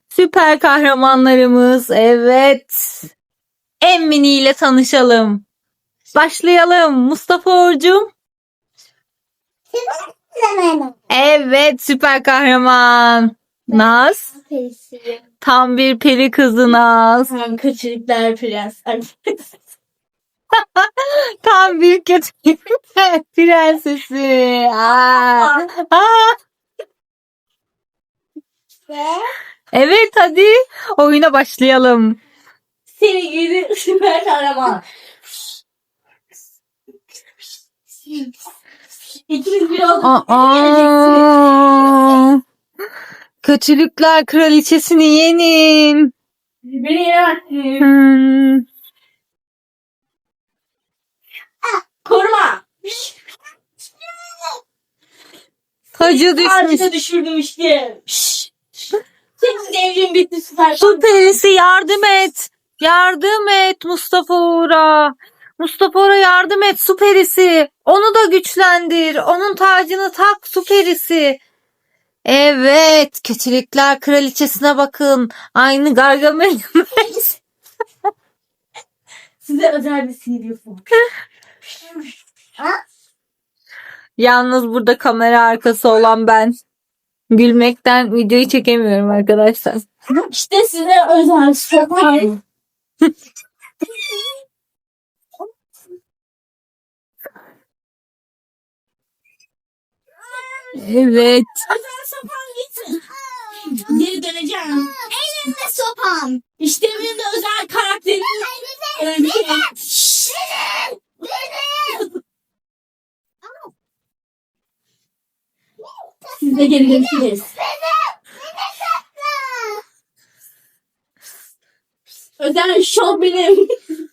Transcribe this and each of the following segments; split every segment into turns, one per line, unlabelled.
Süper kahramanlarımız. Evet. Emmini ile tanışalım. Başlayalım. Mustafa Orcum. Evet, süper kahraman. Naz. Tam bir peri kızı Naz.
Kötülükler prens.
Tam bir kötü prensesi. Aa. Aa. Evet, hadi oyuna başlayalım.
Seni gidi süper kahraman. İkiniz bir olduk.
Aa. Kötülükler kraliçesini yenin.
Beni yenemezsiniz.
Hmm.
Koruma.
Tacı düşmüş.
Ağacına düşürdüm işte. Senin devrin bitti süper.
Su perisi yardım et. Yardım et Mustafa Uğur'a. Mustafa Uğur'a yardım et su perisi. Onu da güçlendir. Onun tacını tak su perisi. Evet. Kötülükler kraliçesine bakın. Aynı Gargamel.
Size özel bir CD yapalım.
Yalnız burada kamera arkası olan ben. Gülmekten videoyu çekemiyorum arkadaşlar.
İşte size özel sopa.
Evet.
Özel sopam gitsin. Geri döneceğim.
Elimde sopam.
İşte benim de özel karakterim. Siz de geri dönsünüz. Özel şov benim.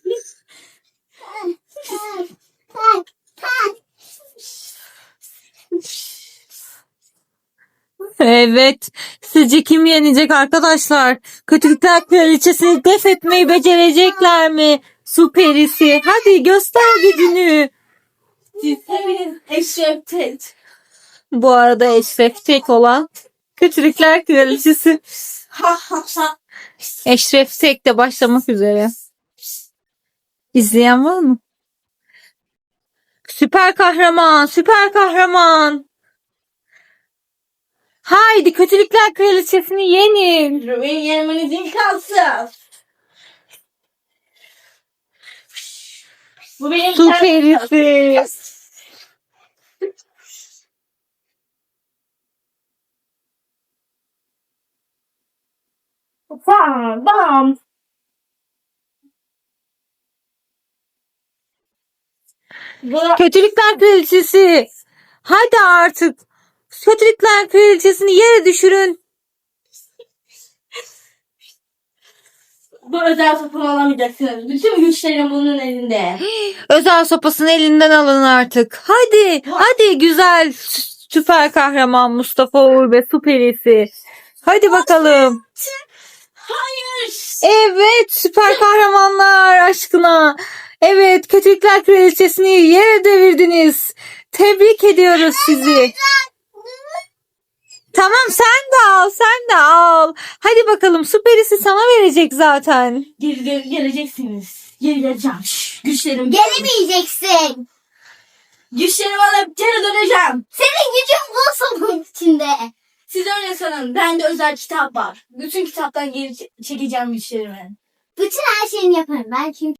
Evet. Sizce kim yenecek arkadaşlar? Kötülükler kraliçesini def etmeyi becerecekler mi? Su perisi. Hadi göster gücünü.
Siz hepiniz eşreftet.
Bu arada Eşref Tek olan Kötülükler Kraliçesi.
Ha ha ha.
Eşref Tek de başlamak üzere. İzleyen var mı? Süper kahraman, süper kahraman. Haydi Kötülükler Kraliçesini yenin.
Beni yenmeniz imkansız. Bu benim
Su perisi.
Bam bam.
Kötülükler Kraliçesi. Hadi artık. Kötülükler Kraliçesini yere düşürün.
Bu özel sopamı alamayacaksınız. Bütün güçlerim bunun elinde.
Özel sopasını elinden alın artık. Hadi, hadi güzel süper kahraman Mustafa Uğur ve su perisi. Hadi bakalım.
Hayır.
Evet, süper kahramanlar aşkına. Evet, Kötülükler Kraliçesini yere devirdiniz. Tebrik ediyoruz sizi. Tamam sen de al, sen de al. Hadi bakalım su perisi sana verecek zaten.
Geleceksiniz. Geri geleceğim. Güçlerim.
Gelemeyeceksin.
Güçlerimi alıp geri döneceğim.
Senin gücün bu sopanın içinde.
Siz öyle sanın. Bende özel kitap var. Bütün kitaptan geri çekeceğim güçlerimi.
Bütün her şeyini yaparım. Ben çünkü